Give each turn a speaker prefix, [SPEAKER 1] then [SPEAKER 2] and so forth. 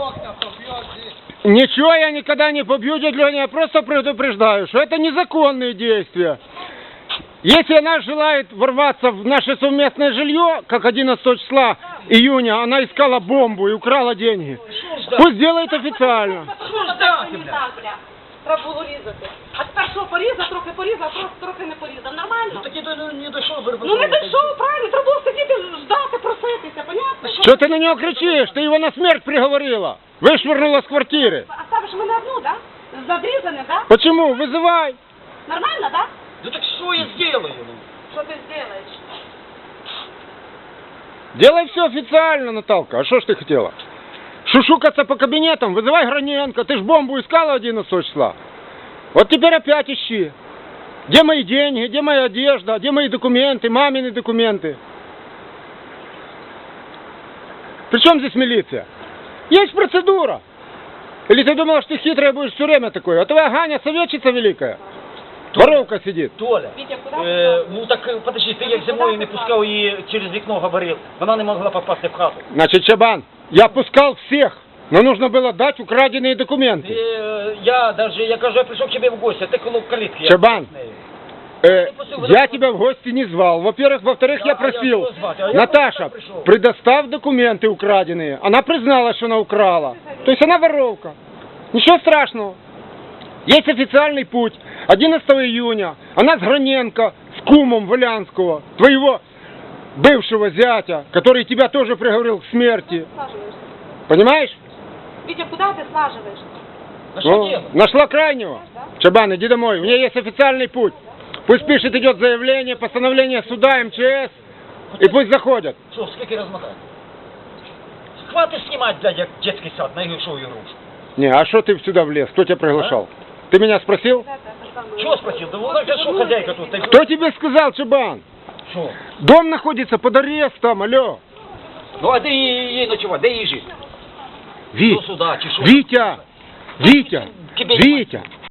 [SPEAKER 1] Ничего я никогда не побью, дядя Леня, я просто предупреждаю, что это незаконные действия. Если она желает ворваться в наше совместное жилье, как 11 числа июня, она искала бомбу и украла деньги, пусть делает официально.
[SPEAKER 2] Треба було різати. А тепер що, порізав, трохи не порізав. Нормально?
[SPEAKER 3] Ну так не дійшов,
[SPEAKER 2] Ну не дійшов, правильно, треба було сидіти, ждати, проситися, понятно?
[SPEAKER 1] Что ты на него кричишь? Ты его на смерть приговорила. Вышвырнула с квартиры.
[SPEAKER 2] А ставиш мене одну, да? Задрізане, да?
[SPEAKER 1] Почему? Вызывай.
[SPEAKER 2] Нормально, да?
[SPEAKER 3] Ну так що я зроблю?
[SPEAKER 2] Що ти зробиш?
[SPEAKER 1] Делай все официально, Наталка. А что ж ты хотела? Шушукаться по кабинетам? Вызывай Граненко. Ты ж бомбу искала 11 числа. Вот теперь опять ищи. Где мои деньги, где моя одежда, где мои документы, мамины документы? При чем здесь милиция? Есть процедура. Или ты думала, что ты хитрая будешь все время такой? А твоя Ганя советчица великая. Воровка сидит.
[SPEAKER 3] Толя,
[SPEAKER 2] Вітя, куди?
[SPEAKER 3] ну так подожди, ти як зимою не пускав її через вікно говорив, вона не могла попасти в хату.
[SPEAKER 1] Значит, Чабан, я пускал всех, но нужно было дать украденные документы.
[SPEAKER 3] Я кажу, я прийшов к тебе в гості, ти коло калітки.
[SPEAKER 1] Чабан, я тебя в гости не звал. Во-первых, во-вторых, я просил, Наташа, предоставь документы украденные. Она призналась, что она украла. То есть она воровка. Ничего страшного. Есть официальный путь. 11 июня она с Граненко, с кумом Волянского, твоего бывшего зятя, который тебя тоже приговорил к смерти. Понимаешь?
[SPEAKER 2] Вітя, куди ти слаживаєш?
[SPEAKER 3] А що
[SPEAKER 1] Ну,
[SPEAKER 3] делать?
[SPEAKER 1] нашла крайнего. Чабан, иди домой. У меня есть официальный путь. Пусть пишет, идет заявление, постановление суда, МЧС, и пусть заходят.
[SPEAKER 3] Що, скільки розмотати? Хватит знімати, блядь, як детський сад, найгіршою ігрушку.
[SPEAKER 1] Не, а что ты сюда влез? Кто тебя приглашал? Ты меня спросил?
[SPEAKER 3] Чого спросив? Да вона ж що хазяйка тут? Ти-
[SPEAKER 1] Кто тебе сказал, Чабан?
[SPEAKER 3] Що?
[SPEAKER 1] Дом находится под арестом, алло.
[SPEAKER 3] Ну а де її ночувати? Де її жити?
[SPEAKER 1] Ви...
[SPEAKER 3] До суда, чи що?
[SPEAKER 1] Витя! Витя!
[SPEAKER 3] Тебе-
[SPEAKER 1] Витя!